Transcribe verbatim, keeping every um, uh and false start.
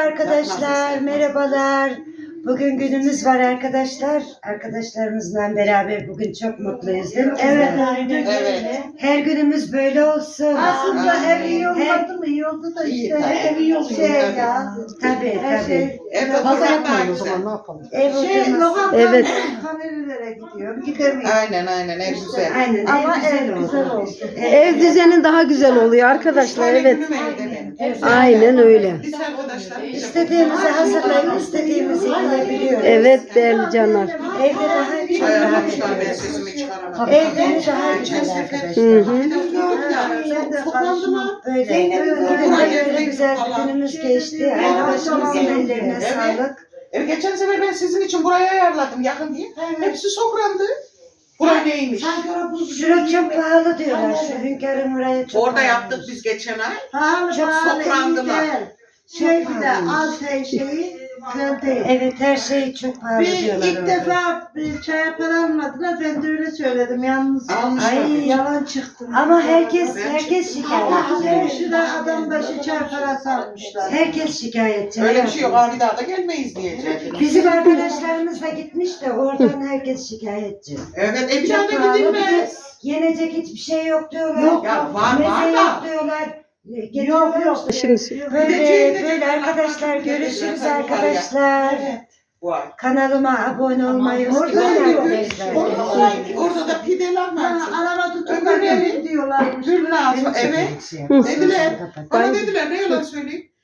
arkadaşlar, merhabalar. Bugün günümüz var arkadaşlar. Arkadaşlarımızla beraber bugün çok mutluyuz değil mi kızlar? Evet, aynen. Evet. Her günümüz böyle olsun. Aslında Aynen. ev iyi olmadı mı? İyi oldu da İyi, işte tabii. ev iyi oldu şey Tabii. ya. Tabii Her tabii. şey. Evde Fazla oturmak daha yapmayın o güzel. zaman, ne yapalım? Ev Şey, oturması. lokantadan Evet. Kanelilere gidiyorum. Gidemiyorum. Aynen aynen ev güzel. Aynen Ama ev güzel ev oldu. güzel oldu. Ev düzeni daha güzel oluyor arkadaşlar, Şöyle evet. günüm evde benim. Aynen öyle. Biz arkadaşlar İstediğimizi hazırlayıp istediğimizi yiyebiliyoruz. Evet değerli canlar. Evde daha çok Çay rahat aramışlar, ben ediyoruz. sesimi çıkaramadım. Evde daha Geçen güzel sefer arkadaşlar. Hı hı. bir de uyuyorduk ya. Ben de Toplandı mı? Böyle. Bugün de böyle güzel bir günümüz Şey geçti. Arkadaşımızın ellerine Evet. sağlık. E, geçen sefer ben sizin için buraya ayarladım yakın diye. Hepsi sokrandı. Buraya neymiş? Şurada çok pahalı diyorlar. Şu hünkârın orayı çok Orada pahalı. yaptık biz geçen ay. Pahalı Çok pahalı sokrandılar. iyi değil. Şey Çok bir de pahalıymış. az şey şeyi güzel değil. Evet her şey çok pahalı Bir diyorlar ilk orada. defa bir çaya para almadılar. Ben de öyle söyledim. Yalnız Almışlar. Ay, yalan çıktım. Ama herkes Ben herkes çıktım. şikayetçi. otuz lira adam başı çay parası almışlar. Herkes şikayetçi. Öyle bir şey yok. Abi daha da gelmeyiz diyecek. Bizim arkadaşlarımız da gitmiş de oradan herkes şikayetçi. Evet e bir Çok tane pahalı, bir de gidilmez. yenecek hiçbir şey yok diyorlar. Yok, Ya var Meze var yok da. diyorlar. Yok Getiriyorlar yok. işte. Şimdi Böyle böyle arkadaşlar görüşürüz arkadaşlar. Bu ay. Kanalıma abone olmayı Orada unutmayın yok. arkadaşlar. Orada, orada da pideler var. Ha, araba tutuklar Öbürleri- gelin diyorlarmış. Gül lazım. Evet. Dediler. Dediler. Bana dediler ne yalan söyleyeyim.